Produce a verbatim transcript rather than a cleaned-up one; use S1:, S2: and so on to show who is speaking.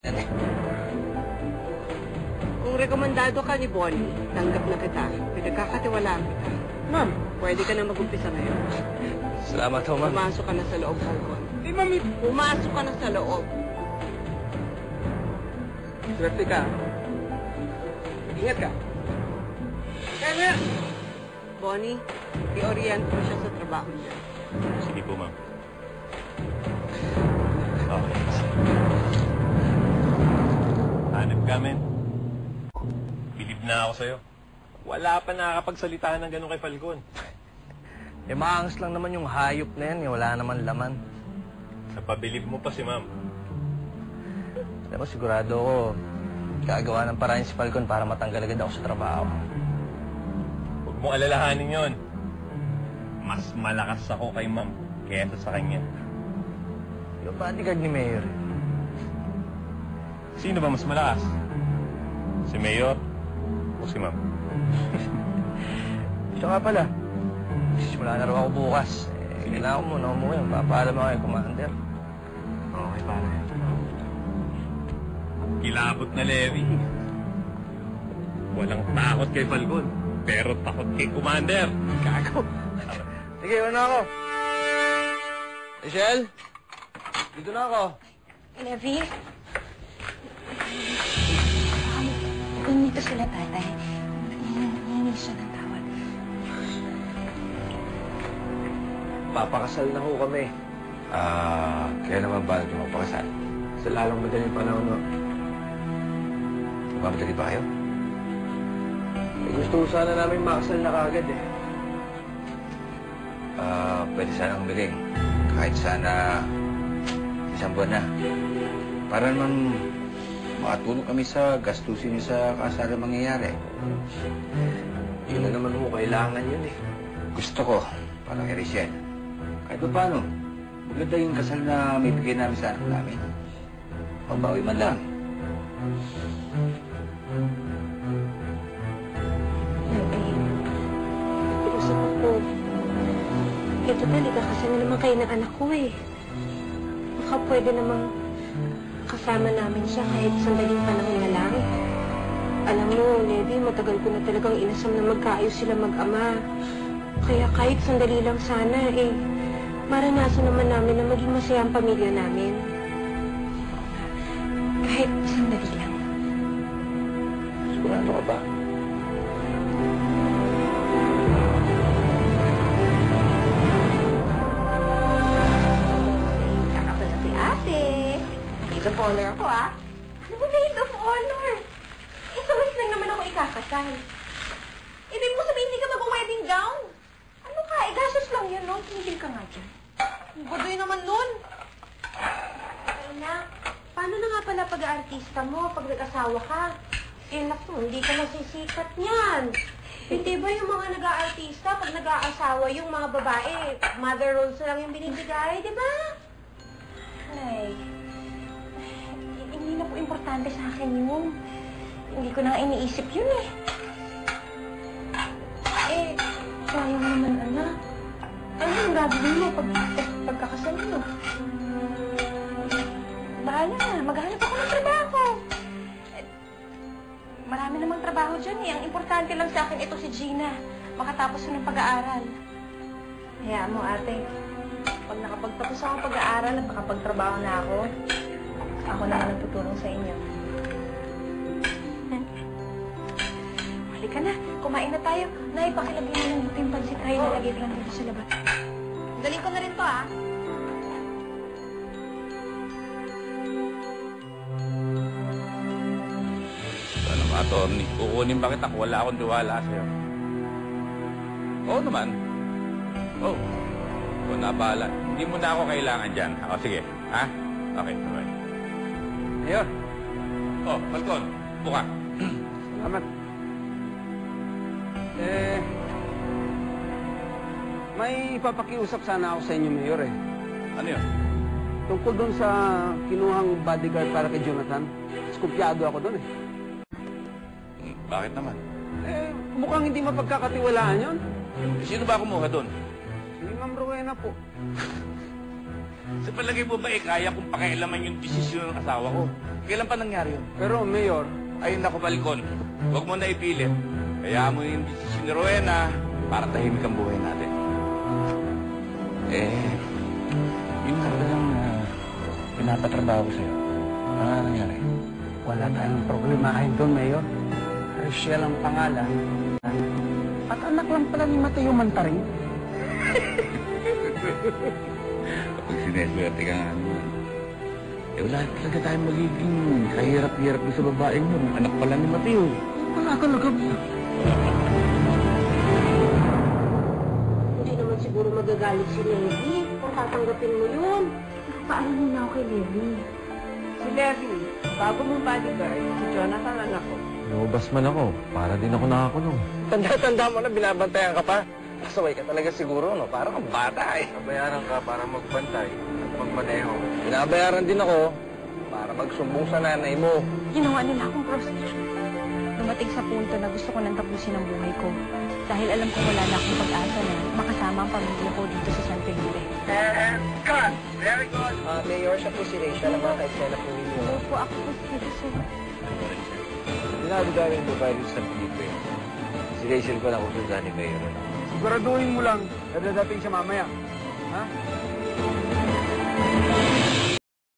S1: Kung rekomendado ka ni Bonnie, tanggap na kita. Pinagkakatiwalaan kita. Ma'am, pwede ka na mag-umpisa ngayon.
S2: Salamat ho, ma'am.
S1: Pumasok ka na sa loob, Falcon.
S3: Eh, mami.
S1: Pumasok ka na sa loob.
S3: Swerte ka. Ingat ka. Kaya na!
S1: Bonnie, i-orient mo siya sa trabaho niya.
S2: Sige po, ma'am. Okay. Hanap ka, men. Bilib na ako sa'yo. Wala pa nakakapagsalita ng gano'n kay Falcon.
S4: Eh, maangas lang naman yung hayop na yan. Eh. Wala naman laman.
S2: Napabilib mo pa si ma'am.
S4: Alam mo, sigurado ako, gagawa ng paraan si Falcon para matanggal agad ako sa trabaho.
S2: Huwag mong alalahanin yon. Mas malakas ako kay ma'am kaysa sa kanya.
S4: Yung bodyguard ni Mayor.
S2: Sino ba mas malakas? Si Mayor o si ma'am?
S4: Siya nga pala. Simula na rin ako bukas. Eh, kailangan ko muna umuwi. Papaalam ako kay Commander.
S2: Okay, pare. Kilabot na Levi. Walang takot kay Falcon, pero takot kay Commander.
S4: Gago. Sige, iwan na ako. Michelle? Dito na ako.
S5: Levi? Ganito sila, tatay. Nanginig siya ng tawad.
S4: Papakasal na ho kami.
S6: Ah, kaya naman ba natin magpakasal?
S4: Sa lalong madaling panahon, no?
S6: Magmamadali ba kayo?
S4: Eh, gusto ko sana namin makasal na kagad, eh.
S6: Ah, pwede sanang humiling. Kahit sana isang buwan na. Para naman makatulong kami sa gastusin niyo sa kasal na mangyayari.
S4: Yun na naman ho, kailangan yun, eh.
S6: Gusto ko, parang kay Rachel. Kahit pa paano, maganda yung kasal na may bigay namin sa anak namin. Pagbawi man lang.
S5: Levi, usap ako. Eh, total, ikakasal na naman kayo ng anak ko, eh. Baka pwede namang kasama namin siya kahit sandaling panahon na lang. Alam mo, Levi, matagal ko na talagang inasam na magkaayos sila mag-ama. Kaya kahit sandali lang sana, eh, maranasan naman namin na maging masaya ang pamilya namin. Kahit sandali lang.
S6: Sigurado ka ba?
S5: Saka pala si ate. Maid of honor ako, ah. Ano ba maid of honor? Eh, sa mas lang naman ako ikakasal. Ibig mo sabihin, hindi ka mag-wedding gown? Ano ka? Eh, gastos lang yun, no? Tumigil ka nga dyan. Ang gudoy naman nun. Ay, na. Paano na nga pala pag-aartista mo pag nag-asawa ka? Eh, naku, hindi ka masisikat niyan. Hindi ba yung mga nag-aartista, pag nag-aasawa yung mga babae, mother roles na lang yung binibigay, di ba? Ay, hindi na po importante sa akin yun. Hindi ko na iniisip yun eh. Eh, sayang naman, anak. Ano ang gagawin mo pag, pag pagkakasal mo? Bahala na, maghanap ako ng trabaho. Eh, marami namang trabaho dyan eh. Ang importante lang sa akin ito si Gina. Makatapos yun ng pag-aaral. Hayaan mo, ate. Pag nakapagtapos ako ng pag-aaral at nakapagtrabaho na ako, ako na ang tutulong sa inyo. Halika na, kumain na tayo. Nay, pakilagay mo ng buto yung pansit tayo. Nalagay ko lang dito sa labas. Daling ko na rin to, ah.
S6: Ano mga attorney? Kukunin ba kita kung wala akong tiwala sa'yo? Oo naman. Oo. Kung nabahala. Hindi mo na ako kailangan dyan. O, sige. Ha? Okay, bye.
S3: Ayun.
S6: Oh, Falcon. Buka.
S3: Salamat. Eh, may ipapakiusap sana ako sa inyo, Mayor, eh.
S6: Ano yun?
S3: Tungkol doon sa kinuhang bodyguard para kay Jonathan. Skupyado ako doon, eh.
S6: Hmm, bakit naman?
S3: Eh, mukhang hindi mapagkakatiwalaan yun.
S6: Sino ba kumuha doon?
S3: Si Ma'am Rowena po.
S6: Sa palagay mo ba, eh, kaya kong pakialaman yung desisyon ng asawa ko? Kailan pa nangyari yun?
S3: Pero, Mayor,
S6: Ay, naku, Balcon. Huwag mo na ipilit. Kaya mo yung desisyon ni Rowena para tahimik ang buhay natin. Eh, yun nga ba lang na pinapatrabaho ko sa'yo? Ano nga nangyari?
S3: wala tayong problemahin doon, Mayor. Rachel ang pangalan. At anak lang pala ni Mateo Mantaring.
S6: Kapag sineswerte ka nga naman. Eh, wala talaga tayong magiging kahirap-hirap sa babaeng mo. Anak pala ni Mateo.
S3: Wala talaga, Mayor.
S5: Hindi naman siguro magagalit si Levi kung tatanggapin mo yun. Paano muna ako kay Levi?
S1: Si Levi, bago mong bodyguard, si Jonathan anak ko.
S2: Lumabas man ako, para din ako nakakulong.
S4: Tanda-tanda mo na binabantayan ka pa. Pasaway ka talaga siguro, no? Parang kang bata eh.
S2: Nabayaran ka para magbantay at magmaneho.
S4: Binabayaran din ako para magsumbong sa nanay mo.
S5: Ginawa nila akong prostitute. Dumating sa punto na gusto ko nang tapusin ang buhay ko. Dahil alam ko wala na akong pag-asa na makasama ang pamilya ko dito sa San Felipe.
S4: Ah, Mayor, siya po si Rachel, ang mga kaitsela po ninyo.
S5: Hello po, ako po si Rachel.
S2: Dinadagawin mo ba rin sa Felipe? Si Rachel pala kung saan ni Mayor.
S3: Siguraduhin mo lang na dadating siya mamaya. Ha?